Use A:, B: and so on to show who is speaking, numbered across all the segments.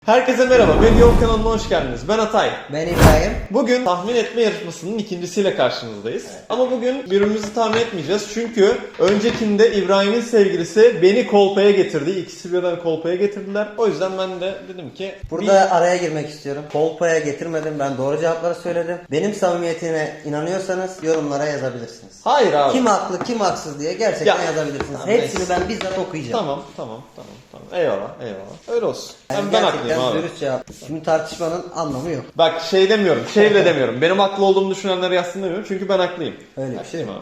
A: Herkese merhaba, Medya kanalına hoş geldiniz. Ben Atay.
B: Ben İbrahim.
A: Bugün tahmin etme yarışmasının ikincisiyle karşınızdayız. Evet. Ama bugün birbirimizi tahmin etmeyeceğiz. Çünkü öncekinde İbrahim'in sevgilisi beni kolpaya getirdi. İkisi birden kolpaya getirdiler. O yüzden ben de dedim ki...
B: Burada araya girmek istiyorum. Kolpaya getirmedim. Ben doğru cevapları söyledim. Benim samimiyetine inanıyorsanız yorumlara yazabilirsiniz.
A: Hayır abi.
B: Kim haklı kim haksız diye gerçekten yazabilirsiniz.
A: Tamam,
B: Hepsini ben bizzat okuyacağım.
A: Tamam. Eyvallah. Öyle olsun. Ben haklıyım abi.
B: Dürüst cevap. Şimdi tartışmanın anlamı yok.
A: Bak şey demiyorum, şey bile demiyorum. Benim haklı olduğumu düşünenlere yazsın demiyorum. Çünkü ben haklıyım.
B: Öyle bir şey mi?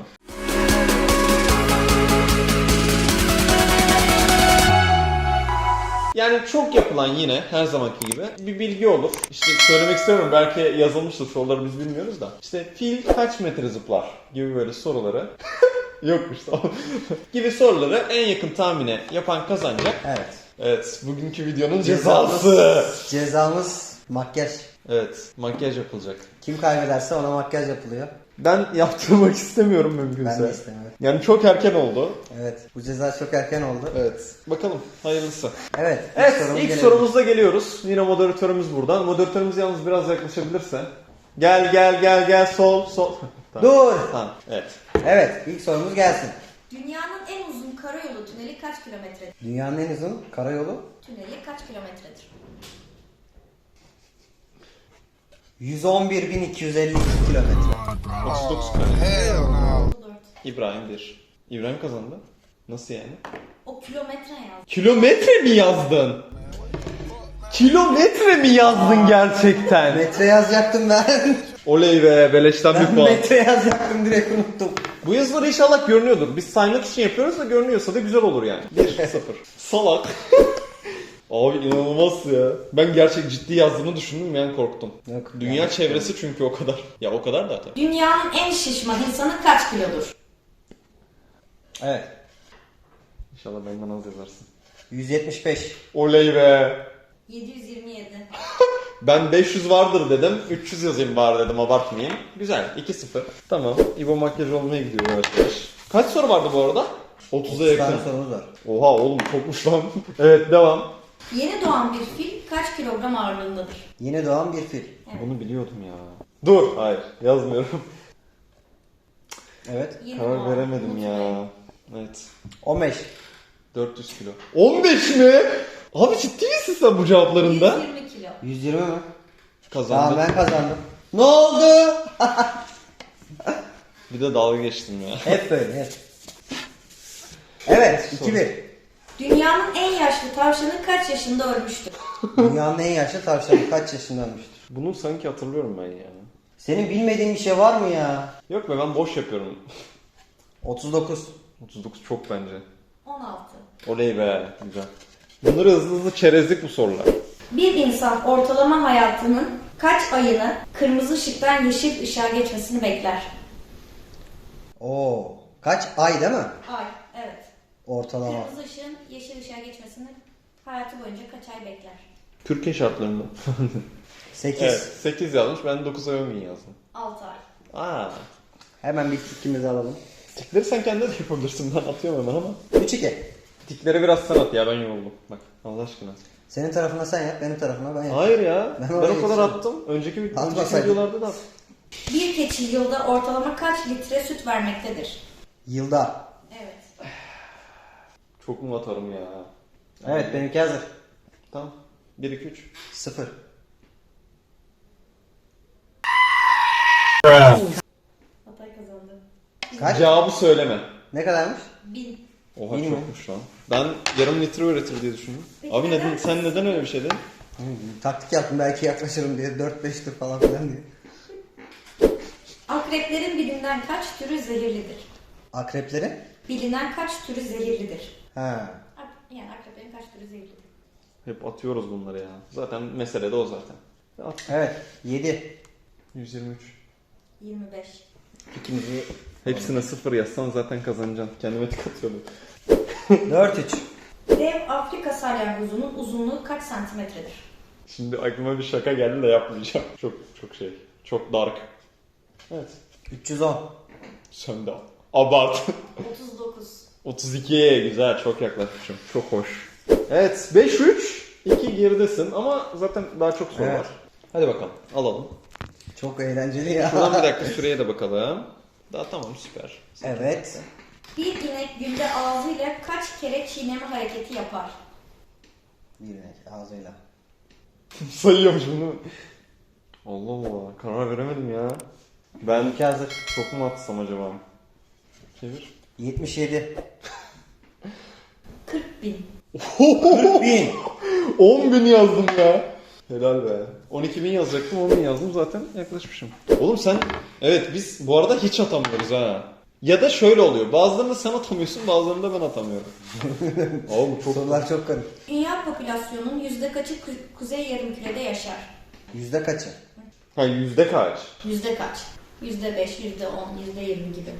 A: Yani çok yapılan yine her zamanki gibi bir bilgi olur. İşte söylemek istemiyorum, belki yazılmıştır, soruları biz bilmiyoruz da. İşte fil kaç metre zıplar gibi böyle soruları yokmuş tamam gibi soruları en yakın tahmine yapan kazanacak.
B: Evet.
A: Evet, bugünkü videonun cezası.
B: Cezamız makyaj.
A: Evet, makyaj yapılacak.
B: Kim kaybederse ona makyaj yapılıyor.
A: Ben yaptırmak istemiyorum mümkünse.
B: Ben de istemiyorum.
A: Yani çok erken oldu.
B: Evet. Bu ceza çok erken oldu.
A: Evet. Bakalım hayırlısı.
B: Evet.
A: İlk sorumuzda geliyoruz. Yine moderatörümüz burada. Moderatörümüz yalnız biraz yaklaşabilirse. Gel sol. Tamam.
B: Dur.
A: Tamam. Evet.
B: Evet. İlk sorumuz gelsin.
C: Dünyanın en uzun karayolu tüneli kaç kilometredir?
B: Dünyanın en uzun karayolu
C: Tüneli kaç kilometredir?
B: 111.252 kilometre.
A: 39 kilometre.
C: Doğru.
A: İbrahim 1. İbrahim kazandı. Nasıl yani?
C: O kilometre yaz.
A: Kilometre mi yazdın? Kilometre mi yazdın gerçekten?
B: Metre yazacaktım ben.
A: Oley be, beleşten bir
B: Ben
A: puan.
B: metre yazacaktım, direkt unuttum.
A: Bu yazıları inşallah görünüyordur. Biz saymak için yapıyoruz da görünüyorsa da güzel olur yani. 1-0. Salak. Abi inanılmaz ya. Ben gerçek ciddi yazdığını düşündüm yani korktum.
B: Yok,
A: Dünya
B: yani
A: çevresi çünkü o kadar. Ya o kadar da tabii.
C: Dünyanın en şişman insanı kaç kilodur?
B: Evet.
A: İnşallah benden az yazarsın.
B: 175.
A: Oley be.
C: 727.
A: Ben 500 vardır dedim. 300 yazayım bari dedim, abartmayayım. Güzel. 2-0. Tamam. İbo makyaj olmaya gidiyor arkadaş. Kaç soru vardı bu arada? 30'a yakın.
B: tane sorumuz var.
A: Oha oğlum çokmuş lan. Evet devam.
C: Yeni doğan bir fil kaç kilogram ağırlığındadır?
B: Yeni doğan bir fil.
A: Bunu biliyordum ya. Dur. Hayır yazmıyorum.
B: Evet.
C: Yeni
A: Karar
C: doğan.
A: veremedim
C: Unutmayın.
A: ya. Evet.
B: 15.
A: 400 kilo. 15 mi? Abi ciddi misin sen bu cevaplarında?
C: 120 kilo.
B: 120 mi?
A: Kazandım.
B: Tamam, ben kazandım. Ne oldu?
A: Bir de dalga geçtim ya.
B: Hep böyle hep. Evet. 2-1.
C: Dünyanın en yaşlı tavşanı kaç yaşında ölmüştür?
B: Dünyanın en yaşlı tavşanı kaç yaşında ölmüştür?
A: Bunu sanki hatırlıyorum ben ya.
B: Senin bilmediğin bir şey var mı ya?
A: Yok be, ben boş yapıyorum.
B: 39.
A: 39 çok bence.
C: 16.
A: Oley be. Güzel. Bunları hızlı çerezlik bu sorular.
C: Bir insan ortalama hayatının kaç ayını kırmızı ışıktan yeşil ışığa geçmesini bekler?
B: Oo. Kaç ay değil mi?
C: Ay, evet.
B: Ortalama.
C: Kırmızı ışığın yeşil ışığa geçmesini hayatı boyunca kaç ay bekler?
A: Türkiye şartlarında.
B: 8.
A: Evet 8 yazmış, ben 9 ay 10 gün yazdım.
C: 6 ay.
A: Aa.
B: Hemen bir tikimizi alalım.
A: Tikleri sen kendin de yapabilirsin, ben atıyorum hemen ama.
B: 3-2.
A: Tikleri biraz sen at ya, ben yoruldum. Bak Allah aşkına.
B: Senin tarafına sen yap, benim tarafıma ben yap.
A: Hayır ya.
B: Ben
A: Ben,
B: oraya
A: o kadar
B: yetişemem.
A: attım. Önceki
B: Atmasaydın.
A: videolarda da attım.
C: Bir keçi yılda ortalama kaç litre süt vermektedir?
B: Yılda.
C: Evet.
A: Çok mu atarım ya?
B: Evet, benimki hazır.
A: Tamam. 1 2 3.
B: 0.
C: Hatay kazandı.
B: Kaç?
A: Cevabı söyleme.
B: Ne kadarmış?
C: 1000.
A: Oha
B: Bin mi?
A: çokmuş lan. Ben yarım litre üretir diye düşündüm.
C: Peki
A: Abi
C: neden?
A: sen neden öyle bir şey dedin?
B: Taktik yaptım, belki yaklaşırım diye. 4-5 tur falan filan diye.
C: Akreplerin bilinen kaç türü zehirlidir?
B: Akreplerin?
C: Bilinen kaç türü zehirlidir?
B: Ha.
C: Yani akreplerin kaç türü zehirlidir?
A: Hep atıyoruz bunları ya. Zaten mesele de o zaten. At.
B: Evet. 7.
A: 123.
C: 25.
B: İkimizi.
A: Hepsine 0 yazsan zaten kazanacaksın. Kendime tık atıyorum.
B: 4-3.
C: Dev Afrika salyangozunun uzunluğu kaç santimetredir?
A: Şimdi aklıma bir şaka geldi de yapmayacağım. Çok şey. Çok dark. Evet.
B: 310.
A: Sen de abart.
C: 39.
A: 32. Güzel, çok yaklaşmışım. Çok hoş. Evet 5-3. 2 geridesin ama zaten daha çok soru
B: Evet.
A: var. Hadi bakalım alalım.
B: Çok eğlenceli ya.
A: Şuradan bir dakika süreye de bakalım. Daha tamam süper.
B: Evet.
C: Bir inek günde ağzıyla kaç kere çiğneme hareketi yapar?
B: Bir inek ağzıyla.
A: Sayıyormuşum değil mi? Allah Allah karar veremedim ya. Ben
B: İki hazır.
A: çok mu atsam acaba? Çevir.
B: 77.
C: 40 bin.
B: 1000.
A: 10.000 yazdım ya. Helal be. 12.000 yazacaktım 10.000 yazdım zaten yaklaşmışım. Oğlum sen evet biz bu arada hiç atamıyoruz ha. Ya da şöyle oluyor. Bazılarını sen atamıyorsun bazılarını da ben atamıyorum. Oğlum çok
B: Sorular çok karışık.
C: Dünya popülasyonunun yüzde kaçı kuzey yarımkürede yaşar?
B: Yüzde kaçı?
A: Ha yüzde kaç?
C: Yüzde kaç? Yüzde 5, yüzde 10, yüzde 20 gibi.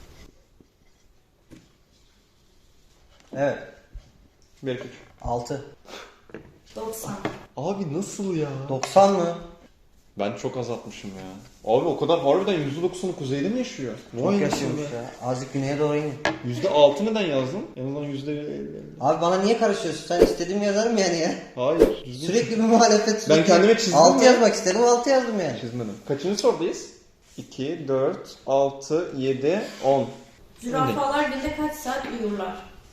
B: Evet.
A: 1-2-3.
B: 6.
C: 90.
A: Abi nasıl ya?
B: 90 mı?
A: Ben çok az atmışım ya. Abi o kadar harbiden %90'ı kuzeyde mi yaşıyor?
B: Çok
A: Vay
B: yaşıyormuş
A: anasını be.
B: ya. Azıcık güneye doğru inin.
A: %6 neden yazdın? En azından %50.
B: Abi bana niye karışıyorsun? Sen istediğimi yazarım yani ya.
A: Hayır. düzgün
B: Sürekli bir muhalefet. Sürekli
A: kendime çizdim
B: 6
A: mi?
B: yazmak istedim 6 yazdım yani.
A: çizmedim. Kaçıncı sorudayız? 2, 4, 6, 7, 10.
C: Zürafalar günde kaç saat uyurlar?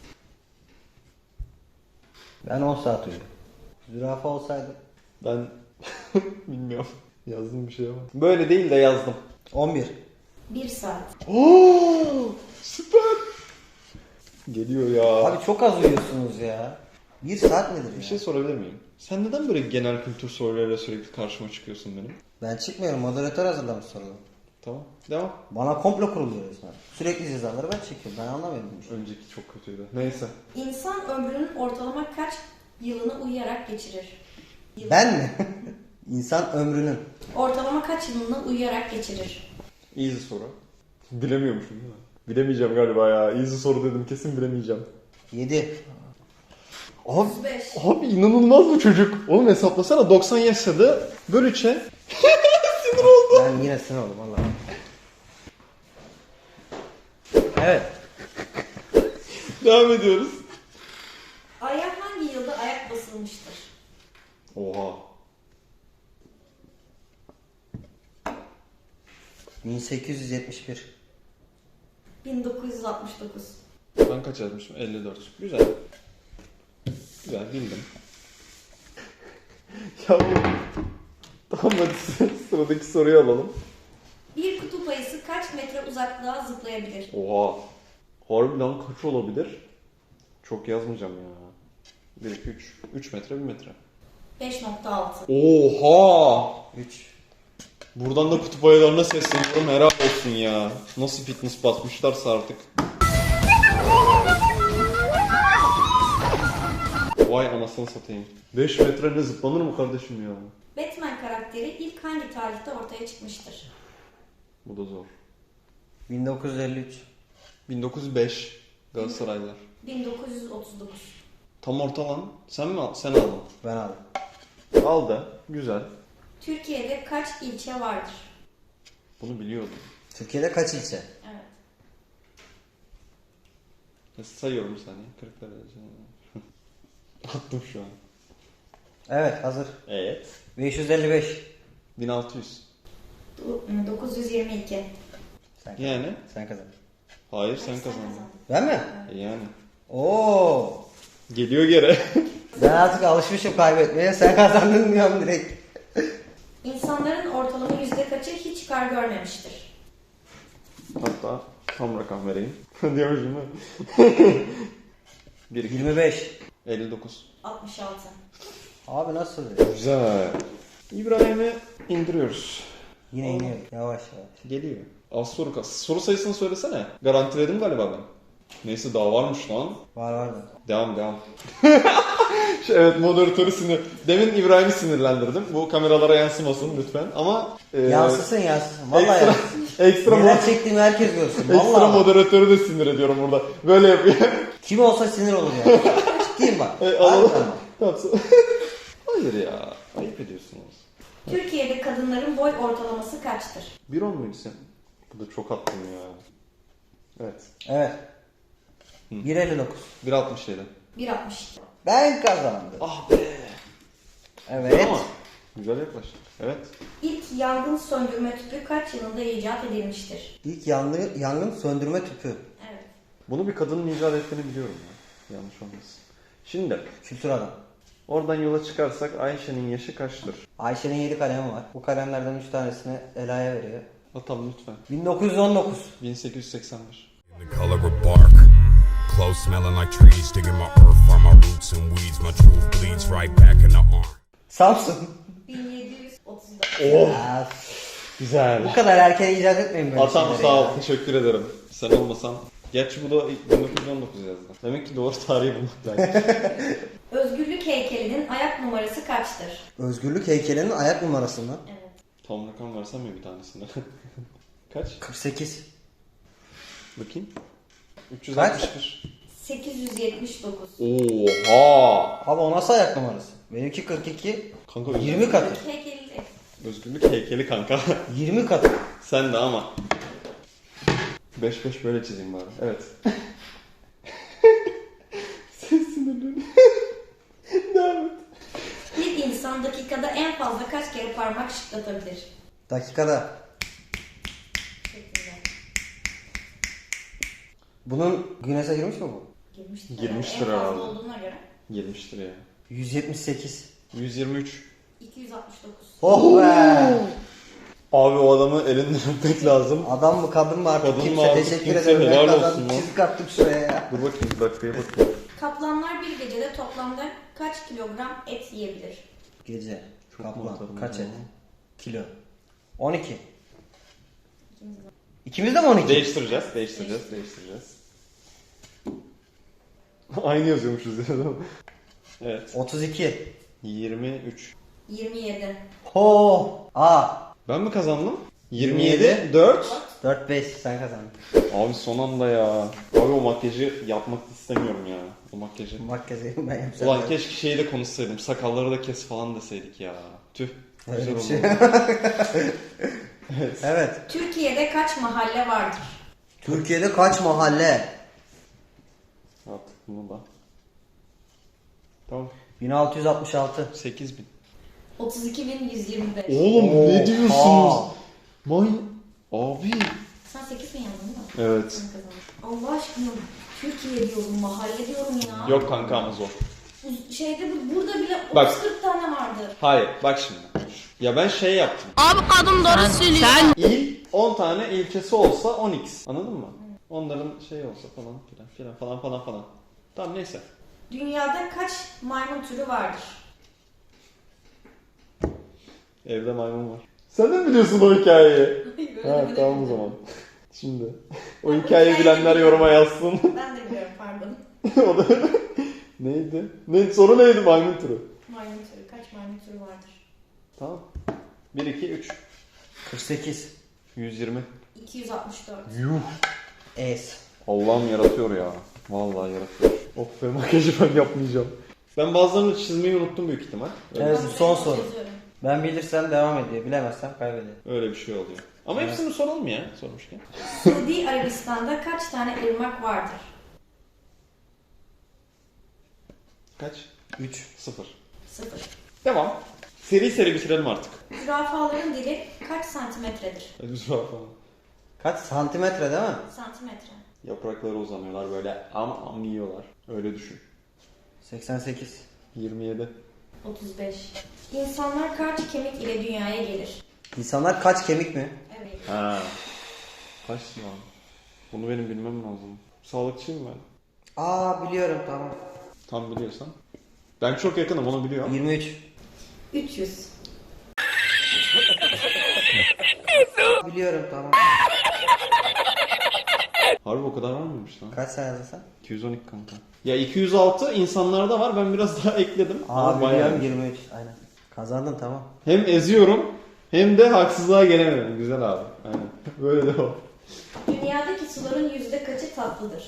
B: Ben 10 saat uyudum. Zürafa olsaydı.
A: Ben bilmiyorum. Yazdım bir şey ama. Böyle değil de yazdım.
B: 11.
C: 1 saat.
A: Oo, süper. Geliyor ya.
B: Abi çok az uyuyorsunuz ya. 1 saat nedir ya?
A: Bir şey sorabilir miyim? Sen neden böyle genel kültür sorularıyla sürekli karşıma çıkıyorsun benim?
B: Ben çıkmıyorum. Moderatör hazırlamış soruları.
A: Tamam. Devam.
B: Bana komplo kuruluyor resmen. Sürekli cezaları ben çekiyorum. Ben anlamıyorum bu işi.
A: Önceki çok kötüydü. Neyse.
C: İnsan ömrünün ortalama kaç yılını uyuyarak geçirir? Yıl.
B: Ben mi? İnsan ömrünün.
C: Ortalama kaç yılını uyuyarak geçirir?
A: Easy soru. Bilemiyormuşum değil mi? Bilemeyeceğim galiba ya. Easy soru dedim kesin bilemeyeceğim.
B: 7.
A: Abi,
C: 35.
A: abi inanılmaz bu çocuk. Oğlum hesaplasana 90 yaşadı. Böl 3'e.
B: Ben yine sinir oldum valla. Evet.
A: Devam ediyoruz.
C: Ay'a hangi yılda ayak basılmıştır?
A: Oha.
B: 1871.
C: 1969.
A: Ben kaç yazmışım? 54. Güzel. Güzel bildim. Ya bu... Tamam hadi sıradaki soruyu alalım.
C: Bir kutup ayısı kaç metre uzaklığa zıplayabilir?
A: Oha. Harbi lan kaç olabilir? Çok yazmayacağım ya. 1, 2, 3. 3 metre 1 metre.
C: 5.6.
A: Oha!
B: 3.
A: Buradan da kutup ayılarına sesleniyorum. Helal olsun ya. Nasıl fitness basmışlarsa artık. Vay anasını satayım. 5 metre ne zıplanır mı kardeşim ya?
C: Batman karakteri ilk hangi tarihte ortaya çıkmıştır?
A: Bu da zor.
B: 1953.
A: 1905 Galatasaraylılar.
C: 1939.
A: Tam orta lan. Sen mi al? Sen aldın.
B: Ben aldım.
A: Aldı. Güzel.
C: Türkiye'de kaç ilçe vardır?
A: Bunu biliyordum.
B: Türkiye'de kaç ilçe?
C: Evet.
A: Sayıyorum bir saniye. 40 derece. Attım şu an.
B: Evet hazır.
A: Evet.
B: 555.
A: 1600.
C: 922.
B: Sen
A: Yani?
B: Sen kazandın.
A: Hayır sen kazandın.
B: Ben mi?
A: Yani.
B: Oo.
A: Geliyor geri.
B: Ben artık alışmışım kaybetmeye. Sen kazandın diyorum direkt.
C: İnsanların ortalama yüzde kaçı hiç kar görmemiştir?
A: Hatta tam rakam vereyim. Diyormuşum değil mi? 1, 2,
B: 25.
A: 59.
C: 66.
B: Abi nasıl?
A: Güzel. İbrahim'i indiriyoruz.
B: Yine iniyor. Yavaş yavaş.
A: Geliyor. Az soru kas. Soru sayısını söylesene. Garantiledim galiba ben. Neyse daha varmış lan.
B: Var.
A: Devam. Evet moderatörü Demin İbrahim'i sinirlendirdim. Bu kameralara yansımasın lütfen. Ama
B: Yansısın. Vallahi
A: ekstra,
B: yansısın.
A: ekstra,
B: Neler çektiğimi herkes görsün.
A: ekstra
B: Vallahi.
A: moderatörü de sinir ediyorum burada. Böyle yapıyor.
B: Kim olsa sinir olur yani. Ciddiyim bak.
A: Alalım.
B: Harbiden bak.
A: Tamam. Hayır ya. Ayıp ediyorsunuz.
C: Türkiye'de kadınların boy ortalaması kaçtır?
A: 1.10 muydu sen? Bu da çok attım ya. Evet.
B: Evet. 1.59.
A: 1.67.
C: 1.60.
B: Ben kazandım.
A: Ah be.
B: Evet.
A: Ama güzel yaklaştık. Evet.
C: İlk yangın söndürme tüpü kaç yılında icat edilmiştir?
B: İlk yangın söndürme tüpü.
C: Evet.
A: Bunu bir kadının icat ettiğini biliyorum ya. Yanlış olmasın. Şimdi
B: Kültür adam.
A: oradan yola çıkarsak Ayşe'nin yaşı kaçtır?
B: Ayşe'nin 7 kalemi var. Bu kalemlerden 3 tanesini Ela'ya veriyor.
A: Atalım lütfen.
B: 1919.
A: 1881.
D: The color of bark, clothes smelling like trees, digging my earth, find my roots and weeds. My truth bleeds right back in the arm.
B: Samsun.
C: 1734.
B: Ya,
A: Güzel.
B: bu kadar erken icat etmeyin böyle
A: Atam
B: şeyleri
A: sağ ol.
B: ya.
A: Teşekkür ederim. Sen olmasan. Gerçi bu da 1919 yazdı. Demek ki doğru tarihi bulmak lazım.
C: Özgürlük heykelinin ayak numarası kaçtır?
B: Özgürlük heykelinin ayak numarası mı?
C: Evet.
A: Tam rakam versem mi bir tanesini? Kaç?
B: 48.
A: Bakayım. 361.
C: 879.
A: Oha!
B: Abi o nasıl ayak numarası? Benimki 42.
A: Kanka
B: 20 katı.
C: Özgürlük heykeli de.
A: Özgürlük heykeli kanka.
B: 20 katı.
A: Sen de ama. 5-5 böyle çizeyim bari. Evet. Ses sinirleri. Devam et.
C: Bir insan dakikada en fazla kaç kere parmak şıklatabilir?
B: Dakikada.
C: Şeklinde.
B: Bunun Guinness'e girmiş mi bu?
C: Girmiştir.
A: Girmiştir
C: en fazla
A: herhalde.
C: olduğuna göre.
A: Girmiştir ya.
B: 178.
A: 123.
C: 269.
B: Oh be!
A: Abi o adamı elinden öpmek lazım.
B: Adam mı kadın mı artık
A: Kadın mı
B: kimse
A: artık
B: teşekkür
A: kimse,
B: ederim.
A: helal
B: Ben
A: olsun
B: kazandım,
A: lan.
B: çizik attık şuraya ya.
A: Dur bakayım bir dakikaya bakayım.
C: Kaplanlar bir gecede toplamda kaç kilogram et yiyebilir?
B: Gece.
A: Çok
B: Kaplan.
A: mantarım
B: Kaç
A: ya.
B: et? Kilo. 12. İkimiz de mi 12?
A: Değiştireceğiz. Aynı yazıyormuşuz ya. Evet.
B: 32.
A: 23.
C: 27.
B: Ho! A.
A: Ben mi kazandım? 27. 4.
B: 4-5 sen kazandın.
A: Abi son anda ya. Abi o makyajı yapmak istemiyorum ya. O makyajı.
B: Makyajı ben yapacağım.
A: Ulan keşke şeyi de konuşsaydım. Sakalları da kes falan deseydik ya. Tüh.
B: Öyle
A: Güzel
B: bir şey.
A: oldu.
B: Evet.
C: Türkiye'de kaç mahalle vardır?
B: Türkiye'de kaç mahalle?
A: Artık bunu da. Tamam.
B: 1666.
A: 8000.
C: 32.125.
A: Oğlum ne diyorsunuz?
B: Oha.
A: May... Abi.
C: Sen 8 mi yazdın değil mi?
A: Evet.
C: Sen kazandın. Allah aşkına Türkiye diyorum, mahalle diyorum ya.
A: Yok kanka ama zor.
C: Şeyde burada bile
A: Bak.
C: 30-40 tane vardır.
A: Hayır bak şimdi. Ya ben şey yaptım.
E: Abi kadın doğru söylüyor.
A: İl 10 tane ilçesi olsa 10x. Anladın mı? Onların şey olsa falan filan falan. Tamam neyse.
C: Dünyada kaç maymun türü vardır?
A: Evde maymun var. Sen de mi biliyorsun o hikayeyi?
C: Öyle
A: Ha
C: mi
A: tamam o
C: dedim?
A: zaman. Şimdi. O hikayeyi bilenler yoruma yazsın.
C: Ben de biliyorum pardon.
A: O da neydi? Soru neydi maymun türü?
C: Maymun türü. Kaç maymun türü vardır?
A: Tamam. 1, 2, 3.
B: 48.
A: 120.
C: 264.
A: Yuh.
B: Es.
A: Allah'ım yaratıyor ya. Vallahi yaratıyor. Of be makyajı ben yapmayacağım. Ben bazılarını çizmeyi unuttum büyük ihtimal.
B: Evet
C: Ben
B: son
C: sayı
B: soru.
C: yazıyorum.
B: Ben bilirsem devam ediyor. Bilemezsem kaybediyor.
A: Öyle bir şey oluyor. Ama hepsini soralım ya sormuşken.
C: Suudi Arabistan'da kaç tane ırmak vardır?
A: Kaç?
B: 3.
A: 0.
C: 0.
A: Devam. Seri bitirelim artık.
C: Zürafaların dili kaç santimetredir?
A: Zürafa falan.
B: Kaç santimetre değil mi?
C: Santimetre.
A: Yaprakları uzanıyorlar böyle am yiyorlar. Öyle düşün.
B: 88.
A: 27.
C: 35. İnsanlar kaç kemik ile dünyaya gelir?
B: İnsanlar kaç kemik mi?
C: Evet.
A: Ha. Kaç lan? Bunu benim bilmem lazım. Sağlıkçıyım ben.
B: Aa biliyorum tamam.
A: Tam biliyorsan. Ben çok yakınım onu biliyorum.
B: 23.
C: 300.
B: Biliyorum tamam.
A: Harbi o kadar var mıymış lan?
B: Kaç sen yazdın sen?
A: 212 kanka. Ya 206 insanlarda var ben biraz daha ekledim.
B: Aa
A: Ama bayağı.
B: biliyorum 23. Aynen. Kazandın tamam.
A: Hem eziyorum hem de haksızlığa gelemiyorum. Güzel abi. Aynen. Böyle devam.
C: Dünyadaki suların yüzde kaçı tatlıdır?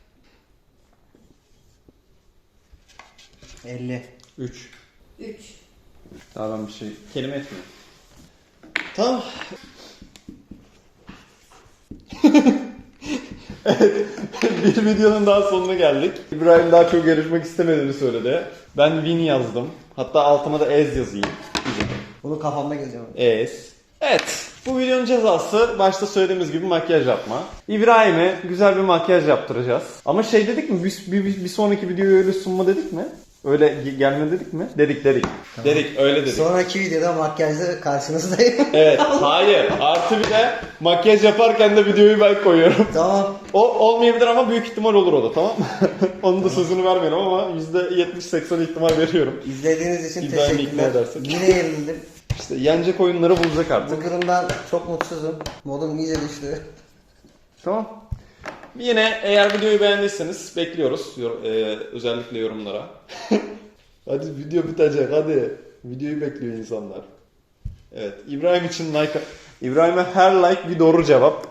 B: 50.
A: 3.
C: 3.
A: Daha ben bir şey kelime etmiyorum. Tamam. Bir videonun daha sonuna geldik. İbrahim daha çok yarışmak istemediğini söyledi. Ben win yazdım. Hatta altıma da ez yazayım.
B: Bunu kafamda gezeceğim.
A: Ez. Evet. Bu videonun cezası başta söylediğimiz gibi makyaj yapma. İbrahim'e güzel bir makyaj yaptıracağız. Ama şey dedik mi? Bir sonraki videoyu öyle sunma dedik mi? Öyle gelme dedik mi? Dedik. Tamam. Dedik, öyle dedik.
B: Sonraki videoda makyajla karşınızdayım.
A: Evet, hayır. Artı bir de makyaj yaparken de videoyu ben koyuyorum.
B: Tamam.
A: O olmayabilir ama büyük ihtimal olur o da, tamam mı? Onun da sözünü vermiyorum ama %70-80 ihtimal veriyorum.
B: İzlediğiniz için
A: İbrahim'i ikna
B: teşekkürler.
A: edersek.
B: Yine yenildim.
A: İşte yenecek oyunları bulacak artık.
B: Bu durumdan çok mutsuzum. Modum iyice düştü.
A: Tamam. Yine eğer videoyu beğendiyseniz bekliyoruz. Özellikle yorumlara. Hadi video bitecek hadi. Videoyu bekliyor insanlar. Evet. İbrahim için like... İbrahim'e her like bir doğru cevap.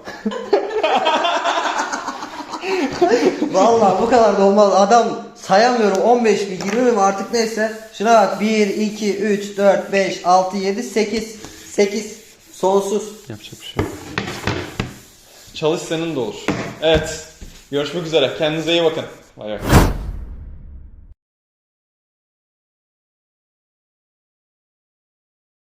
B: Vallahi bu kadar da olmaz. Adam sayamıyorum 15 mi 20 mi artık neyse. Şuna bak 1, 2, 3, 4, 5, 6, 7, 8. 8. Sonsuz.
A: Yapacak bir şey yok. Çalış senin de olur. Evet. Görüşmek üzere. Kendinize iyi bakın. Bay bay.